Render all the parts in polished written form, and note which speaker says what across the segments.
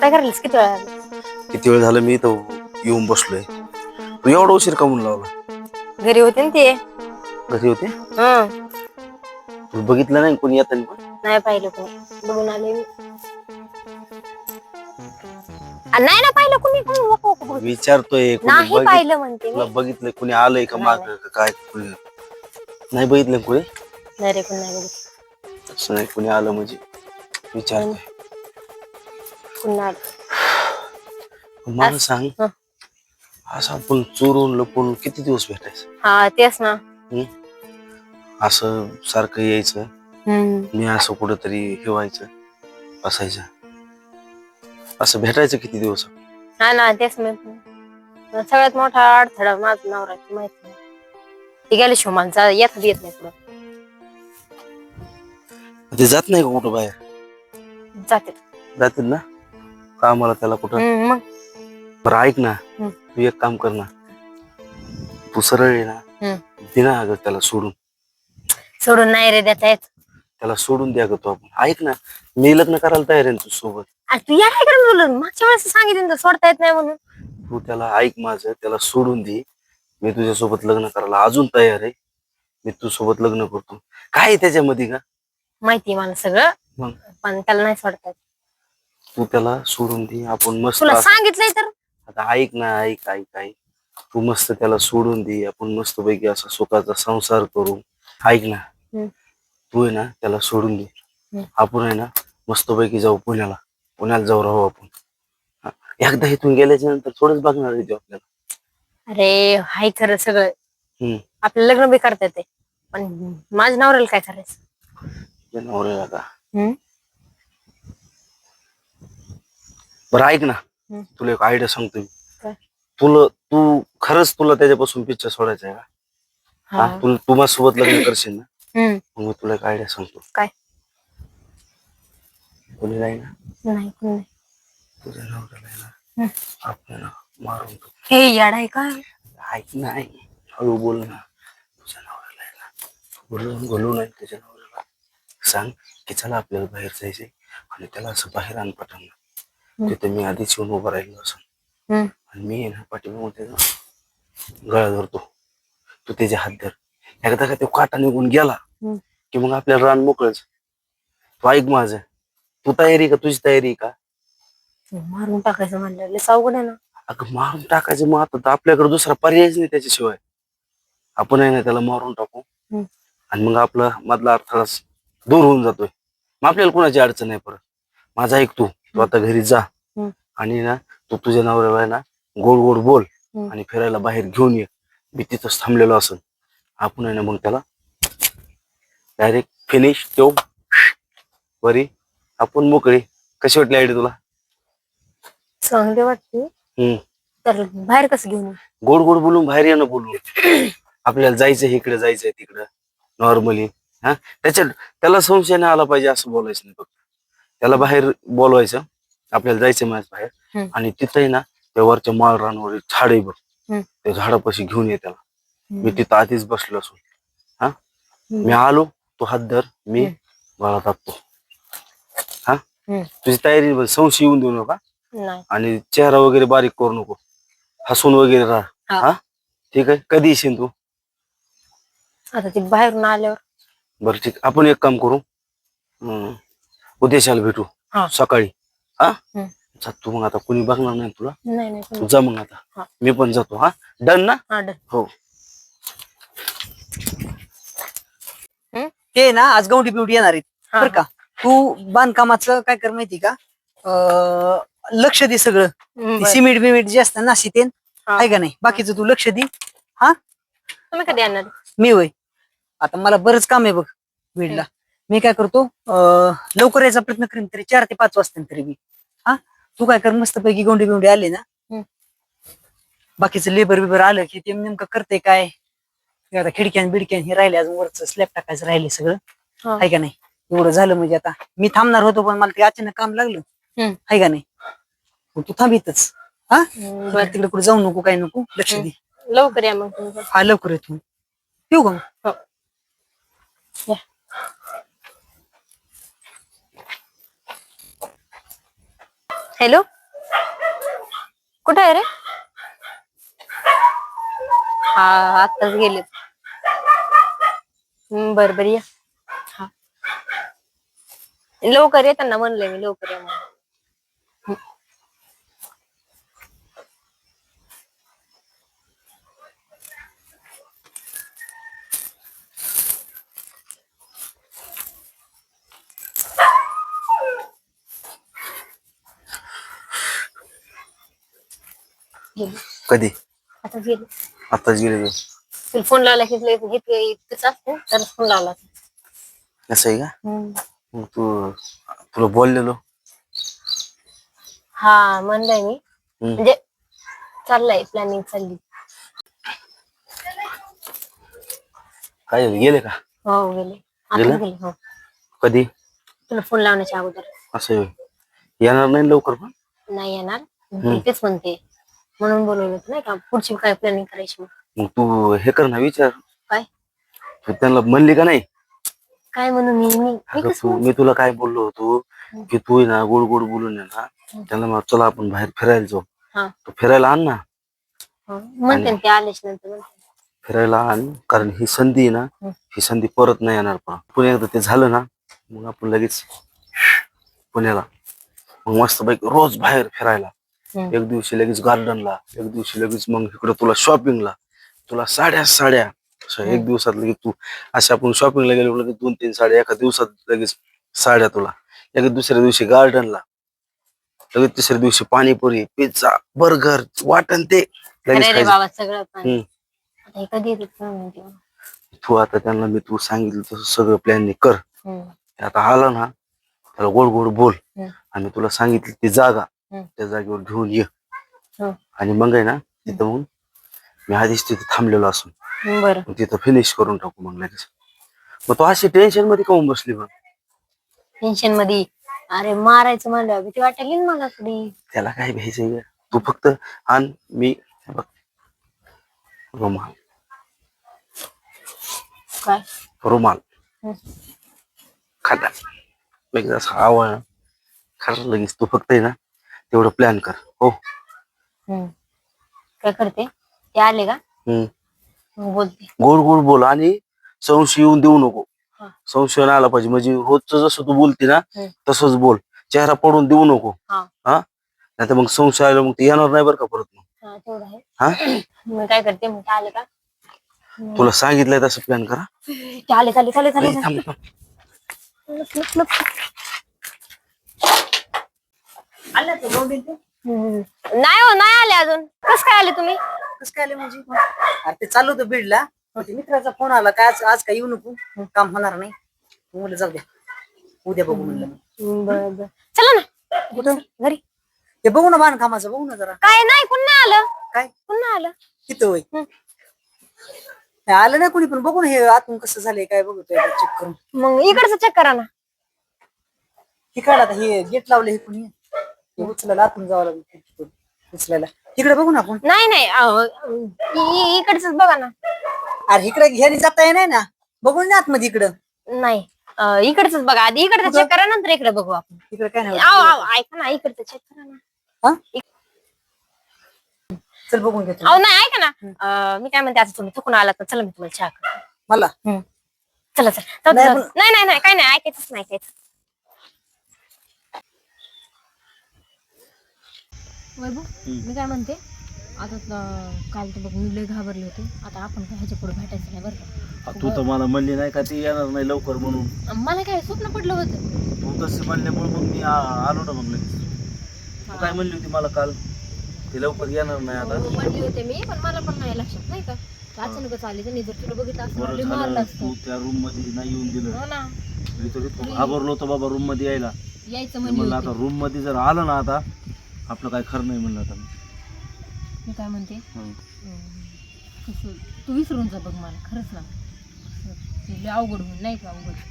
Speaker 1: काय करायलीस किती वेळा
Speaker 2: किती वेळ झालं मी इथं येऊन बसलोय. तू एवढा उशीर का म्हणून लावला?
Speaker 1: घरी होते ना ते.
Speaker 2: घरी होते?
Speaker 1: हं.
Speaker 2: तू बघितलं नाही कोणी येताना पण?
Speaker 1: नाही पाहिलं कोणी. बघून आले मी. नाही ना पाहिलं कोणी.
Speaker 2: विचारतोय कोणी
Speaker 1: नाही पाहिलं म्हणते
Speaker 2: तुला
Speaker 1: मी.
Speaker 2: बघितलं कोणी आलंय का
Speaker 1: नाही,
Speaker 2: माग
Speaker 1: नाही.
Speaker 2: काय नाही बघितलं कोणी?
Speaker 1: नाही रे कोणी नाही बघितलं.
Speaker 2: असं नाही कोणी आलं म्हणजे विचारतोय.
Speaker 1: कोणी नाही आलं.
Speaker 2: मला सांग,
Speaker 1: हं.
Speaker 2: असं आपण चोरून लपून किती दिवस भेटायचं?
Speaker 1: हा तेच ना.
Speaker 2: असं सारखं यायचं,
Speaker 1: हम्म.
Speaker 2: मी असं कुठंतरी हे व्हायचं, असायचं. असं भेटायचं किती दिवस?
Speaker 1: हा ना तेच मी सगळ्यात मोठा अडथळा माझा नवरा माहिती नाही. ती गेली शिवमानचा येत नाही पुढं.
Speaker 2: ते जात नाही का कुठं बाहेर?
Speaker 1: जाते.
Speaker 2: जातील ना कामाला त्याला कुठं?
Speaker 1: मग
Speaker 2: बरं ऐक ना, तू एक काम कर ना, तू सरळ आहे ना, दे ना अगं त्याला सोडून.
Speaker 1: सोडून नाही रे देता येत.
Speaker 2: त्याला सोडून द्या ग तू. आपण ऐक ना, मी लग्न करायला तयार आहे तुझ्या सोबत.
Speaker 1: तू या काय करून बोलून मागच्या वेळेस सांगितलं सोडता येत नाही म्हणून.
Speaker 2: तू त्याला ऐक माझं, त्याला सोडून दे. मी तुझ्यासोबत लग्न करायला अजून तयार आहे. मी तुझ्यासोबत लग्न करतो. काय आहे त्याच्यामध्ये का?
Speaker 1: माहिती मला सगळं, पण त्याला नाही सोडता येत.
Speaker 2: तू त्याला सोडून दे, आपण मस्त.
Speaker 1: तुला सांगितलंय तर.
Speaker 2: आता ऐक ना, ऐक. तू मस्त त्याला सोडून दे, आपण मस्त पैकी असा सुखाचा संसार करू. ऐक ना, तू आहे ना त्याला सोडून दे. आपण आहे ना मस्त पैकी जाऊ पुण्याला जाऊ राहू आपण. एकदा इथून गेल्याच्या नंतर थोडंच बघणार आहे आपल्याला.
Speaker 1: अरे हाय खरं सगळं. आपलं लग्न बी करता येते, पण माझ्या नवऱ्याला काय करायचं?
Speaker 2: नवऱ्याला का? बरं ऐक ना, तुला एक आयडिया सांगतो मी. तू खरंच तुला त्याच्यापासून पिच्छा सोडायचा आहे का? तू माझ्यासोबत लग्न करशील ना? मग मी तुला एक आयडिया सांगतो.
Speaker 1: काय?
Speaker 2: कोणी नाही ना?
Speaker 1: नाही कोणी नाही.
Speaker 2: तुझ्या नवऱ्याला आपल्याला मारून टाकू.
Speaker 1: हे याड आहे का?
Speaker 2: ऐक नाही, हळू बोल ना. तुझ्या नवऱ्याला बोलू नाही. तुझ्या नवऱ्याला सांग की चला आपल्याला बाहेर जायचंय, आणि त्याला असं बाहेर आण पटांना. तिथे मी आधीच येऊन उभं राहिलो असं, आणि मी ना पाठीमागून त्याचा गळा धरतो. तू त्याचे हात धर. एकदा का तो काटा निघून गेला की मग आपल्याला रान मोकळच. तू ऐक माझं, तू तयारी का? तुझी तयारी का?
Speaker 1: मारून टाकायचं म्हणलं अवघड आहे ना.
Speaker 2: अगं मारून टाकायचं, मग आता आपल्याकडे दुसरा पर्यायच नाही त्याच्याशिवाय. आपण आहे ना त्याला मारून टाकू, आणि मग आपला मधला अडथळा दूर होऊन जातोय. मग आपल्याला कोणाची अडचण नाही परत. माझा ऐक, तू आता घरी जा, आणि ना तू तुझ्या नवऱ्याला आहे ना गोड गोड बोल, आणि फिरायला बाहेर घेऊन ये. मी तिथंच थांबलेलो असेल. आपण आहे ना मग त्याला डायरेक्ट फिनिश तो बरी, आपण मोकळी. कशी वाटली आयडिया तुला?
Speaker 1: चांगली वाटते. तर बाहेर कसं घेऊन?
Speaker 2: गोड गोड बोलून बाहेर ये ना, बोलू. आपल्याला जायचंय इकडे, जायचंय तिकडं, नॉर्मली. त्याला संशय नाही आला पाहिजे असं बोलायचं नाही फक्त. त्याला बाहेर बोलवायचं, आपल्याला जायचंय माझ्या बाहेर, आणि तिथंही ना त्या वरच्या माळ रानवर झाड आहे बघ, त्या झाडापाशी घेऊन ये त्याला. मी तिथं आधीच बसलो असो. मी आलो, तो हात धर, मी गळा टाकतो. तुझी तयारी, संशय येऊन देऊ नका, आणि चेहरा वगैरे बारीक करू नको, हसून वगैरे राहा. ठीक आहे? कधी येशील तू?
Speaker 1: आता ते बाहेरून आल्यावर.
Speaker 2: बरं ठीक, आपण एक काम करू, उद्याशाला भेटू सकाळी. तू मग आता कुणी बघणार नाही तुला. तू जा मग आता, मी पण जातो. डन ना? हो.
Speaker 3: ते ना आज गौंडी बिवडी येणार आहेत बरं का. तू बांधकामाचं काय कर माहिती का, लक्ष दे सगळं. सिमेंट बिमेंट जे असतं ना शितेन आहे का नाही, बाकीचं तू लक्ष दे.
Speaker 1: तुम्ही कधी येणार?
Speaker 3: मी होय, आता मला बरंच काम आहे बघ बीडला. मी काय करतो, लवकर यायचा प्रयत्न करीन, तरी 4 ते 5 वाजता तरी मी. तू काय कर, मस्त पैकी गौंडी बिवडी आले ना, बाकीचं लेबर बिबर आलं की ते नेमकं करते काय. आता खिडक्यान बिडक्यान हे राहिले, अजून वरच स्लॅब टाकायचं राहिले सगळं, आहे का नाही. एवढं झालं म्हणजे आता मी थांबणार होतो, पण मला ते अचानक काम लागलं, आहे का नाही. तू थांबितच. तिकडे कुठे जाऊ नको, काय नको, लक्ष दे.
Speaker 1: लवकर या मग.
Speaker 3: लवकर येतो. येऊ का मग?
Speaker 1: हॅलो. कुठे आहे रे? हा, आताच गेले. बर बर या. हा, लवकर येताना म्हणलंय मी, लवकर या म्हणून. गेले.
Speaker 2: कधी?
Speaker 1: आता गेले.
Speaker 2: आताच गेले ते.
Speaker 1: तुला फोन लावला की इतकंच असतं तर फोन लावला.
Speaker 2: असं आहे का? मग तुला बोललेलो.
Speaker 1: हा म्हणलंय मी, म्हणजे चाललंय, प्लॅनिंग चालली.
Speaker 2: काय झालं, गेले का?
Speaker 1: हो गेले,
Speaker 2: गेलं?
Speaker 1: आता गेले. हो,
Speaker 2: कधी?
Speaker 1: तुला फोन लावण्याच्या अगोदर.
Speaker 2: असं आहे. येणार नाही लवकर पण?
Speaker 1: नाही येणार, तेच म्हणते, म्हणून बोलवलं होतं नाही का, पुढची काय प्लॅनिंग करायची.
Speaker 2: मग तू हे कर ना, विचार.
Speaker 1: काय?
Speaker 2: तू त्यांना म्हणली का नाही?
Speaker 1: काय म्हणून
Speaker 2: मी तुला काय बोललो होतो की तू आहे ना गोड गोड बोलून आहे ना त्यांना मग चला आपण बाहेर फिरायला जाऊ. तू फिरायला आण ना.
Speaker 1: म्हणते ते आलेच नंतर
Speaker 2: फिरायला आण, कारण ही संधी आहे ना, ही संधी परत नाही येणार. पण एकदा ते झालं ना मग आपण लगेच पुण्याला, मग मस्त पैकी रोज बाहेर फिरायला. एक दिवशी लगेच गार्डनला, एक दिवशी लगेच मग इकडे तुला शॉपिंगला, तुला साड्या एक दिवसात लगेच तू अशा आपण शॉपिंगला गेलो लगेच 2-3 साड्या एका दिवसात, लगेच साड्या तुला. लगेच दुसऱ्या दिवशी गार्डनला, लगेच तिसऱ्या दिवशी पाणीपुरी, पिझ्झा, बर्गर, वाटण ते लगेच
Speaker 1: बाबा सगळं. आता हे कधी येतात?
Speaker 2: तू आता त्यांना मी तू सांगितलं तसं सगळं प्लॅनिंग कर. आता आला ना त्याला गोड गोड बोल, आणि तुला सांगितली ती जागा त्या जागेवर घेऊन ये. आणि मग आहे ना तिथं मग मी आधीच तिथे थांबलेलो असून
Speaker 1: बरं,
Speaker 2: तिथं फिनिश करून टाकू मग लगेच. मग तू अशी टेन्शन मध्ये काऊन बसली मग?
Speaker 1: टेन्शन मध्ये? अरे मारायचं म्हणलं भीती वाटायली ना मला थोडी.
Speaker 2: त्याला काय भ्यायचंय? तू फक्त आण, मी रुमाल,
Speaker 1: काय
Speaker 2: रुमाल खाटा लगेच असं आवळ खरं लगेच. तू फक्त आहे ना तेवढं प्लॅन कर. हो,
Speaker 1: काय करते ते आले का बोलते.
Speaker 2: गोड गोड बोल आणि संशय येऊन देऊ नको. संशय नाही आला पाहिजे, म्हणजे रोजचं जसं तू बोलते ना तसंच बोल, चेहरा पडून देऊ नको. हा, नाही तर मग संशय आला मग ते येणार नाही बरं का परत. मग
Speaker 1: तेवढं आहे. मग काय करते, मग ते आले का
Speaker 2: तुला सांगितलंय तसं प्लॅन करा.
Speaker 1: चाले चाले चाले चाले. नाही हो, नाही आले अजून. कस काय आले तुम्ही?
Speaker 3: कसं काय आले म्हणजे? अरे ते चालू होतं बीडला, मित्राचा फोन आला काय आज काय येऊ नको, काम होणार नाही. म्हणलं जाऊ द्या, उद्या बघू म्हणलं.
Speaker 1: बरं चला ना.
Speaker 3: कुठं?
Speaker 1: घरी.
Speaker 3: ते बघू ना बांधकामाचं, बघू ना जरा.
Speaker 1: काय नाही, पुन्हा आलं.
Speaker 3: काय
Speaker 1: पुन्हा आलं
Speaker 3: तिथं? होय, आलं नाही कोणी, पण बघू ना हे आतून कसं झालंय काय बघतोय चेक करून.
Speaker 1: मग इकडचं चेक करा ना.
Speaker 3: तिकडं आता हे गेट लावले, हे कोणी उचलायला आतून जावं लागेल उचलायला. तिकडे बघू ना आपण.
Speaker 1: नाही नाही, इकडच बघा ना.
Speaker 3: अरे इकडे घ्यायला जाता येणार ना, बघून ना आतमध्ये इकडं.
Speaker 1: नाही, इकडच बघा आधी. इकडचं चेक करा, नंतर इकडे बघू आपण.
Speaker 3: इकडे काय नाही.
Speaker 1: ऐका ना, इकडचं चेक करा ना.
Speaker 3: चल बघून घेतो.
Speaker 1: नाही ऐका ना, मी काय म्हणते, आता तुम्ही थकून आलात ना, चला मी तुम्हाला चहा करते.
Speaker 3: मला
Speaker 1: चला चला. नाही नाही नाही, काय नाही, ऐकायचंच नाही, ऐकायचं. वैभव, मी काय म्हणते, आता काल तर बघ मी लय घाबरले होते. आता आपण काय ह्याच्या पुढे भेटायचं नाही बरं का.
Speaker 2: तू तर मला म्हणली नाही का ती येणार नाही लवकर म्हणून.
Speaker 1: मला काय स्वप्न पडलं होतं.
Speaker 2: तू तसे म्हणल्यामुळे मग मी आलो ना मग लगेच. तू काय म्हणली होती मला काल, ती लवकर येणार नाही आता.
Speaker 1: म्हणली होते मी, पण मला पण नाही लक्षात नाही का, अचानकच आली. त्यांनी जर तुला बघितलं असं मारलं असतं.
Speaker 2: तू त्या रूम मध्ये नाही येऊन दिलं.
Speaker 1: हो ना,
Speaker 2: मी तर घाबरलो होतो बाबा रूम मध्ये
Speaker 1: यायचं
Speaker 2: म्हणलं. आता रूम मध्ये जर आलं ना आता आपलं काय खरं नाही म्हणलं. आता
Speaker 1: मी काय म्हणते, कसं तू विसरून जा बघ मला, खरंच ना. अवघड होऊन नाही का, अवघड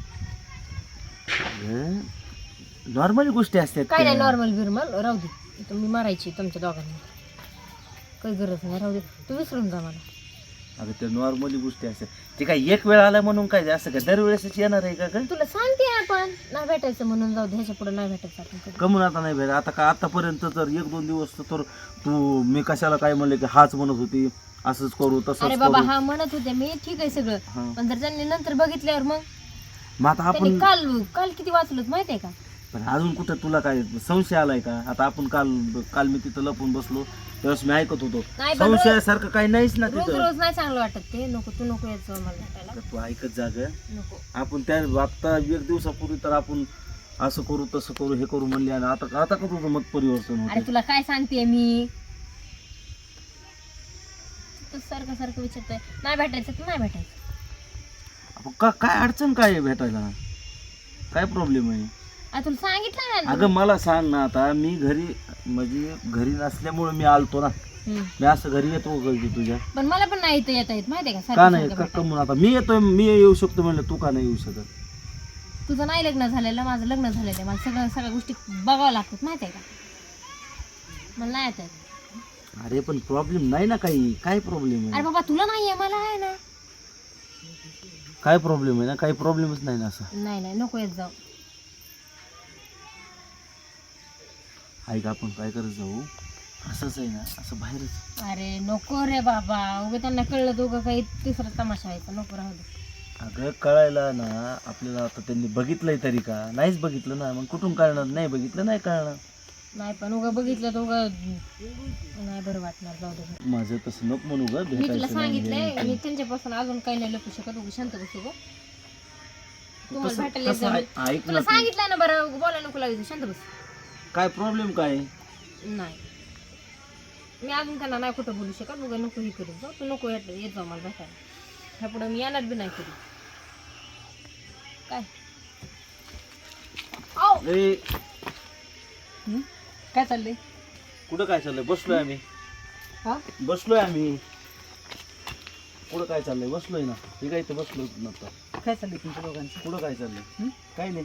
Speaker 2: नॉर्मल गोष्टी असतात.
Speaker 1: काय नाही, नॉर्मल बिरमल राहू दे. मी मारायची तुमच्या दोघांनी, काही गरज नाही, राहू दे. तू विसरून जा मला.
Speaker 2: अगं ते नॉर्मली गोष्टी असतात. ते काय एक वेळ आला म्हणून काय असं काय दरवेळेसच येणार आहे का ग?
Speaker 1: तुला सांगते आपण नाही भेटायचं म्हणून जाऊ दे, ह्याच्या पुढे नाही भेटायचं आपण कधी.
Speaker 2: कमून आता नाही भेट आता का आतापर्यंत तर 1-2 दिवस तर तू मी कशाला काय म्हणले की हाच म्हणत होती असंच करू
Speaker 1: अरे
Speaker 2: तसंच
Speaker 1: बाबा
Speaker 2: करू.
Speaker 1: हा म्हणत होते मी, ठीक आहे सगळं,
Speaker 2: हा.
Speaker 1: पण जर त्यांनी नंतर बघितल्यावर मग
Speaker 2: मग आता
Speaker 1: त्यांनी
Speaker 2: आपण
Speaker 1: काल काल किती वाचलोत माहितीये का?
Speaker 2: पण अजून कुठं तुला काय संशय आलाय का? आता आपण काल काल मी तिथं लपून बसलो त्यावेळेस मी ऐकत होतो.
Speaker 1: नाही पण
Speaker 2: संशयासारखं काही नाहीच ना
Speaker 1: रोज
Speaker 2: तिथं.
Speaker 1: रोज नाही चांगलं वाटत ते. नको तू नको यायचं मला भेटायला.
Speaker 2: तू ऐकत जा ग.
Speaker 1: नको.
Speaker 2: आपण त्या आता 1 दिवसापूर्वी तर आपण असं करू तसं करू हे करू म्हणले आणि आता आता का तुझं मत परिवर्तन
Speaker 1: अरे
Speaker 2: होते?
Speaker 1: तुला काय सांगते मी, तू सारखं सारखं विचारतोय नाही भेटायचं तर नाही भेटायचं.
Speaker 2: आपण काय अडचण काय आहे भेटायला? काय प्रॉब्लेम आहे?
Speaker 1: आता तुला सांगितलं ना.
Speaker 2: अगं मला सांग ना, आता मी घरी म्हणजे घरी नसल्यामुळे मी आलतो ना. मी असं घरी येतो घरी तुझ्या
Speaker 1: पण मला पण नाही इथं येता येत माहितीये का?
Speaker 2: का
Speaker 1: सारखं
Speaker 2: नाही
Speaker 1: सारखं भेटायला.
Speaker 2: कमून आता मी येतोय मी येऊ शकतो म्हणलं तू का नाही येऊ शकत?
Speaker 1: तुझं नाही लग्न झालेलं, माझं लग्न झालेलं आहे. मला सगळ्या गोष्टी बघावं लागतात माहितीये का? मला नाही येत आहेत.
Speaker 2: अरे पण प्रॉब्लेम नाही ना काही. काय प्रॉब्लेम
Speaker 1: अरे
Speaker 2: आहे?
Speaker 1: बाबा तुला नाहीये, मला आहे ना.
Speaker 2: काय प्रॉब्लेम आहे ना? काही प्रॉब्लेमच नाही ना असं.
Speaker 1: नाही नाही नको येत जाऊ.
Speaker 2: ऐक आपण काय करत जाऊ असंच आहे ना असं बाहेरच.
Speaker 1: अरे नको रे बाबा, उगा त्यांना कळलं तर उगा काही तिसरा तमाशा व्हायचा. नको राहू दे.
Speaker 2: अगं कळायला ना आपल्याला आता त्यांनी बघितलंय तरी का? नाहीच बघितलं ना, मग कुठून कळणार? नाही बघितलं नाही कळणार.
Speaker 1: नाही पण उगा बघितलं तर उगा नाही बरं वाटणार. जाऊ दे.
Speaker 2: माझं तसं नको म्हणू ग.
Speaker 1: मी तुला
Speaker 2: भेटायचं नाही
Speaker 1: सांगितलंय,
Speaker 2: हे.
Speaker 1: मी त्यांच्यापासून अजून काही नाही लपू शकत. उगा शांत बसू गं. तुम्हाला
Speaker 2: तसं-
Speaker 1: भेटायला
Speaker 2: तसं
Speaker 1: येत
Speaker 2: ऐक ना
Speaker 1: तुला
Speaker 2: तू.
Speaker 1: सांगितलं ना. बरं बोला नको लागेल. शांत बस.
Speaker 2: काय प्रॉब्लेम काय?
Speaker 1: नाही मी अजून त्यांना नाही कुठं बोलू शकत. उगा नको हे करू जाऊ. तू नको येत जाऊ मला भेटायला. ह्या पुढे मी येणार बी नाही कधी. काय
Speaker 2: ए,
Speaker 3: काय चाललंय?
Speaker 2: कुठं काय चाललंय? बसलोय आम्ही.
Speaker 3: हा
Speaker 2: बसलोय आम्ही. कुठं काय चाललंय? बसलोय ना. हे काय इथं बसलो नव्हतं.
Speaker 3: काय चाललंय तुमच्या दोघांचं?
Speaker 2: कुठं काय चाललंय?
Speaker 3: हं?
Speaker 2: काय नाही.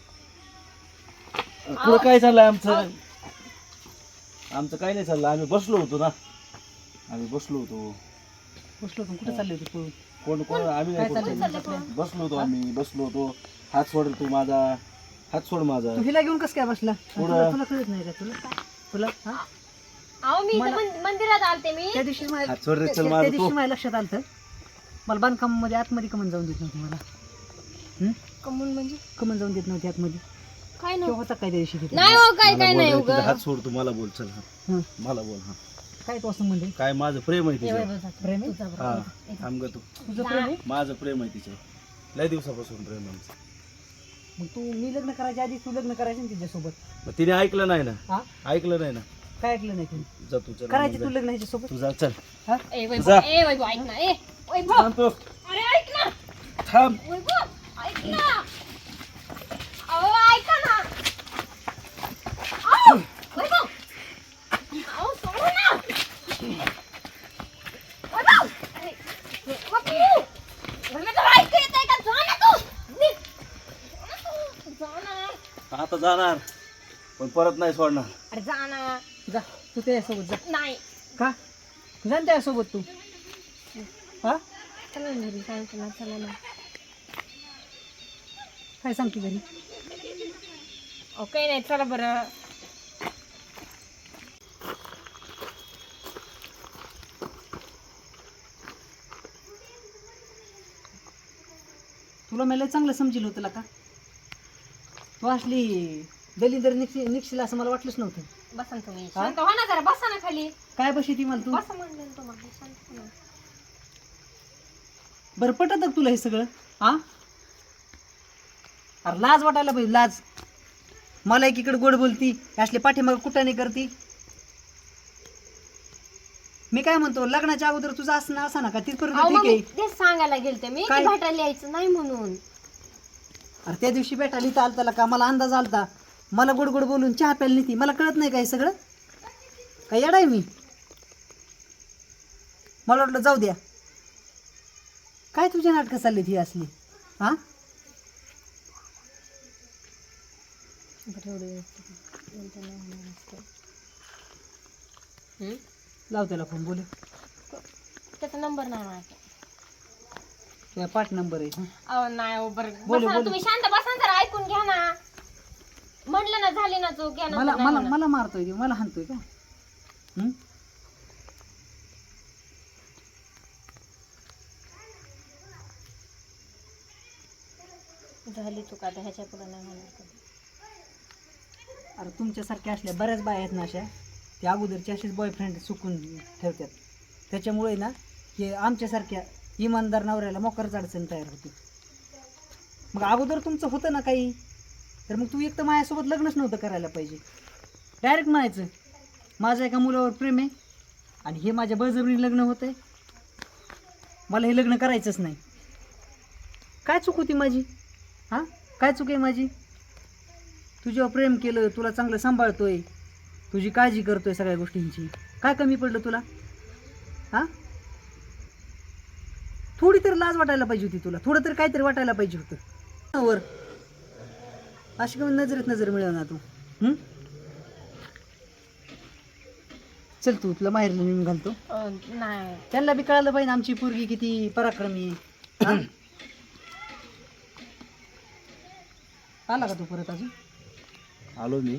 Speaker 2: कुठं काय चाललंय आमचं? आमचं काय नाही चाललं. आम्ही बसलो होतो ना. आम्ही बसलो होतो.
Speaker 3: बसलो होतो. कुठं चालले होते?
Speaker 2: कोण कोण आम्ही
Speaker 3: काय
Speaker 2: नाही कोण
Speaker 3: चाललंय
Speaker 2: चाललो.
Speaker 3: तुमचं?
Speaker 2: बसलो होतो आम्ही. बसलो होतो. हात सोड तू माझा. हात सोड माझा.
Speaker 3: तू हिला घेऊन कसं काय बसला?
Speaker 2: पुढं.
Speaker 3: तुला कळत नाही का? तुला हा?
Speaker 1: अहो मी इथं मंदिरात आलते मी.
Speaker 3: त्या दिवशी माझ्या
Speaker 2: हात सोड रे, चल
Speaker 3: त्या
Speaker 2: माझा
Speaker 3: दिवशी
Speaker 2: तू.
Speaker 3: माझ्या लक्षात आलं मला बांधकाम मध्ये आतमध्ये कमन जाऊन देत नव्हती मला.
Speaker 1: कमून म्हणजे
Speaker 3: कमन जाऊन देत नव्हती आतमध्ये.
Speaker 1: काय
Speaker 3: तो
Speaker 1: नाही
Speaker 3: होता काय त्या दिवशी तिथे?
Speaker 1: नाही हो काय
Speaker 2: मला
Speaker 1: काय
Speaker 2: बोल
Speaker 1: नाही
Speaker 2: रे,
Speaker 1: उगा.
Speaker 2: तुझा हात सोड तू. मला बोल चल. हा.
Speaker 3: हं.
Speaker 2: मला बोल. हा
Speaker 3: काय तो असं म्हणजे?
Speaker 2: काय माझं प्रेम आहे
Speaker 1: ए,
Speaker 2: तिच्यावर.
Speaker 1: वैभव जातो.
Speaker 3: प्रेम आहे?
Speaker 1: तुझा
Speaker 2: हा
Speaker 1: बरोबर.
Speaker 2: थांब ग तू.
Speaker 3: तुझं प्रेम आहे?
Speaker 2: माझं प्रेम आहे तिच्यावर. लय दिवसापासून प्रेम आहे आमचं.
Speaker 3: मग तू मी लग्न करायच्या आधी तू लग्न करायचं ना तिच्यासोबत.
Speaker 2: मग तिने ऐकलं नाही ना.
Speaker 3: हा
Speaker 2: ऐकलं नाही ना.
Speaker 3: काय ऐकलं नाही तू?
Speaker 2: जा तू चल.
Speaker 3: करायचे तू लग्न ह्याच्यासोबत?
Speaker 2: तू जा चल.
Speaker 3: हा
Speaker 1: ए
Speaker 2: जा.
Speaker 1: वैभव, ए वैभव ऐक ना. ए वैभव,
Speaker 2: थांब तू.
Speaker 1: अरे ऐक ना.
Speaker 2: थांब.
Speaker 1: वैभव ऐक ना. अहो ऐका ना. अहो वैभव, अहो सोडू ना. वैभव, अरे वैभव, वैभव तुला ऐकू येतंय का? जा ना तू. निघ. जा ना.
Speaker 2: आता जाणार पण परत नाही सोडणार.
Speaker 1: अरे जा ना.
Speaker 3: जा तू त्याच्यासोबत जा.
Speaker 1: नाही.
Speaker 3: का? जा ना त्याच्यासोबत तू. हा
Speaker 1: चला ना घरी सांगतो ना. चला ना.
Speaker 3: काय सांगते घरी?
Speaker 1: ओके नाही चला बरं.
Speaker 3: तुला मला चांगलं समजेल होतं का? तू असली दलिंदर निघशील असं मला वाटलंच नव्हतं.
Speaker 1: बसा ना तुम्ही.
Speaker 3: हा?
Speaker 1: शांत हो ना जरा. बसा ना खाली.
Speaker 3: काय बशी ती मला तू?
Speaker 1: बसा म्हणलं ना तुम्हाला. शांत हो ना.
Speaker 3: बरं पटत तुला हे सगळं? हा अरे लाज वाटायला पाहिजे. लाज. मला एकीकडे गोड बोलती, असले पाठीमाग कुठाने करती. मी काय म्हणतो लग्नाच्या अगोदर तुझं असं ना असं ना का तिथपर्यंत
Speaker 1: अहो,
Speaker 3: ठीक
Speaker 1: मग
Speaker 3: आहे.
Speaker 1: मी तेच सांगायला गेलते मी
Speaker 3: काय?
Speaker 1: की भेटायला यायचं नाही म्हणून.
Speaker 3: अरे त्या दिवशी भेटायला इथं आलता का मला अंदाज आलता. मला गोड गोड बोलून चहा प्यायला नाही ती. मला कळत नाही काय सगळं? काय येडाय मी? मला वाटलं जाऊ द्या. काय तुझ्या नाटकं चालली ती असली? हा
Speaker 1: बरं, एवढं व्यवस्थित बोलता नाही होणार असतं. हं?
Speaker 3: लाव त्याला फोन बोलू.
Speaker 1: त्याचा नंबर नाही माझ्या.
Speaker 3: तुझा पाठ नंबर आहे.
Speaker 1: अहो नाही हो, बरं
Speaker 3: बोलू,
Speaker 1: बसा ना,
Speaker 3: बोलू.
Speaker 1: तुम्ही शांत बसा ना, जरा ऐकून घ्या ना. म्हटलं ना झाली ना चूक, या
Speaker 3: मला
Speaker 1: नंतर नाही
Speaker 3: मला
Speaker 1: होणार.
Speaker 3: मला मारतोय तो, मला हाणतोय का? हं?
Speaker 1: झाली चूक, आता ह्याच्या पुढे नाही होणार कधी.
Speaker 3: अरे तुमच्यासारख्या असल्या बऱ्याच बाया आहेत ना अशा, ते अगोदरचे असेच बॉयफ्रेंड चुकून ठेवतात. त्याच्यामुळे ना हे आमच्यासारख्या इमानदार नवऱ्याला मोकारच अडचण तयार होते. मग अगोदर तुमचं होतं ना काही, तर मग तू एक तर माझ्यासोबत लग्नच नव्हतं करायला पाहिजे. डायरेक्ट म्हणायचं माझं एका मुलावर प्रेम आहे आणि हे माझ्या बळजबरीने लग्न होतंय, मला हे लग्न करायचंच नाही. काय चूक होती माझी? हां, काय चूक आहे माझी? तुझ्यावर प्रेम केलं, तुला चांगलं सांभाळतोय, तुझी काळजी करतोय सगळ्या गोष्टींची, काय कमी पडलं तुला? हां, थोडी तर लाज वाटायला पाहिजे होती तुला, थोडं तर काहीतरी वाटायला पाहिजे होतं. वर अशी कमी नजरेत नजर मिळव ना तू. चल तू, तुला बाहेर नेऊन घालतो.
Speaker 1: नाही
Speaker 3: त्यांना बी कळालं पाहिजे आमची पोरगी किती पराक्रमी आहे. हां? आला का तू परत अजून?
Speaker 2: आलो मी.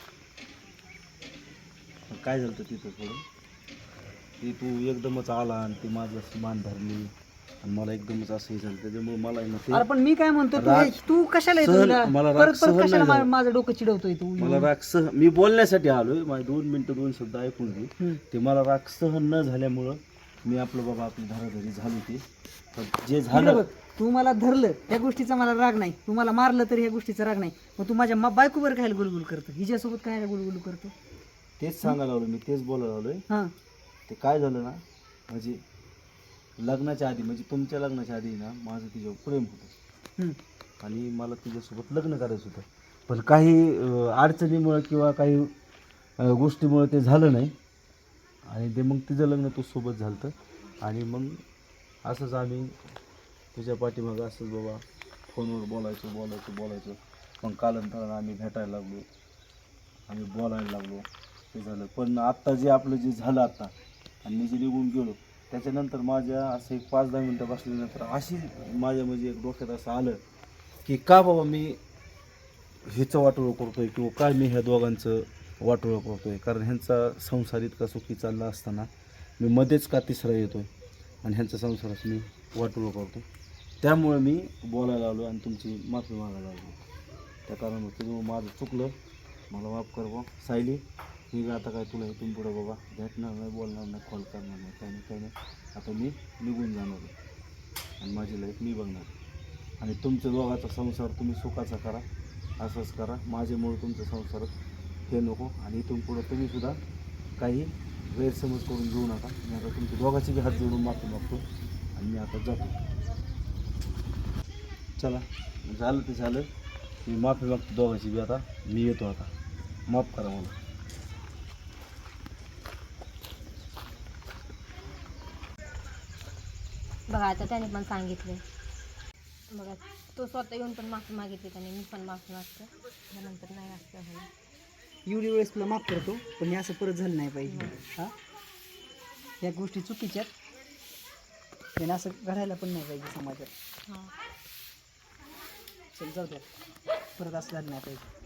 Speaker 2: काय झालं तिथं थोडं, ती तू एकदमच आला आणि ती माझं मान धरली आणि मला एकदमच असं हे झालं, त्याच्यामुळे मला आहे ना ते
Speaker 3: अरे पण मी काय म्हणतो,
Speaker 2: राग-
Speaker 3: तू कशाला येतो
Speaker 2: सहन-
Speaker 3: हिला?
Speaker 2: मला राग
Speaker 3: परत
Speaker 2: सहन
Speaker 3: परत कशाला
Speaker 2: नाही झाला.
Speaker 3: माझं डोकं चिडवतोय तू?
Speaker 2: मला राग मी बोलण्यासाठी आलोय, माझे 2 मिनिटं 2 शब्द ऐकून घे. ते मला राग सहन न झाल्यामुळं मी आपलं बाबा आपली धाराधारी झाली ती. पण जे
Speaker 3: इकडे
Speaker 2: झालं,
Speaker 3: बघ, तू मला धरलं त्या गोष्टीचा मला राग नाही, तू मला मारलं तरी ह्या गोष्टीचा राग नाही. मग तू माझ्या बायकोवर काय गुलगुल करतो, हिच्यासोबत काय गुलगुल करतो?
Speaker 2: तेच सांगायला लागलो मी, तेच बोलायला लागलोय.
Speaker 3: हां,
Speaker 2: ते काय झालं ना, म्हणजे लग्नाच्या आधी, म्हणजे तुमच्या लग्नाच्या आधी ना माझं तिच्यावर प्रेम होतं आणि मला तिच्यासोबत लग्न करायचं होतं. पण काही अडचणीमुळे किंवा काही गोष्टीमुळे ते झालं नाही आणि ते मग तिचं लग्न तो सोबत झालं होतं. आणि मग असंच आम्ही तुझ्या पाठीमागं असंच बाबा फोनवर बोलायचो. मग कालांतरानं आम्ही भेटायला लागलो, आम्ही बोलायला लागलो, ते झालं. पण आत्ता जे आपलं जे झालं आत्ता आणि मी जे निघून गेलो त्याच्यानंतर माझ्या असं एक 5-10 मिनटं बसल्यानंतर अशी माझ्या म्हणजे एक डोक्यात असं आलं की का बाबा मी ह्याचं वाटोळं करतोय किंवा काय मी ह्या दोघांचं वाटोळं करतोय. कारण ह्यांचा संसार इतका सुखी चालला असताना मी मध्येच का तिसरा येतोय आणि ह्यांचा संसारात मी वाटोळं करतो. त्यामुळे मी बोलायला आलो आणि तुमची माफी मागायला आलो. त्या कारणामुळे माझं चुकलं, मला माफ कर बा सायली. मी आता काय तुला इथून पुढं बाबा भेटणार नाही, बोलणार नाही, कॉल करणार नाही, काही नाही. आता मी निघून जाणार आहे आणि माझी लाईफ मी बघणार आणि तुमच्या दोघांचा संसार तुम्ही सुखाचा करा, असंच करा. माझ्यामुळे तुमच्या संसारात हे नको आणि इथून पुढं तुम्हीसुद्धा काही गैरसमज करून घेऊ नका. मी आता तुमच्या दोघांची बी हात जोडून माफी मागतो आणि मी आता जातो. चला, झालं ते झालं. मी माफी मागतो दोघांची बी. आता मी येतो, आता माफ करा मला.
Speaker 1: बघा आता त्याने पण सांगितलं, बघा तो स्वतः येऊन पण माफी मागितली त्याने, मी पण माफी मागते. त्यानंतर नाही असं झालं.
Speaker 3: एवढी वेळेस तुला माफ करतो, पण हे असं परत झालं नाही पाहिजे. हां, या गोष्टी चुकीच्या आहेत, त्यानं असं घडायला पण नाही पाहिजे समाजात.
Speaker 1: हां
Speaker 3: चल जाऊ द्या, परत असं झालं नाही पाहिजे.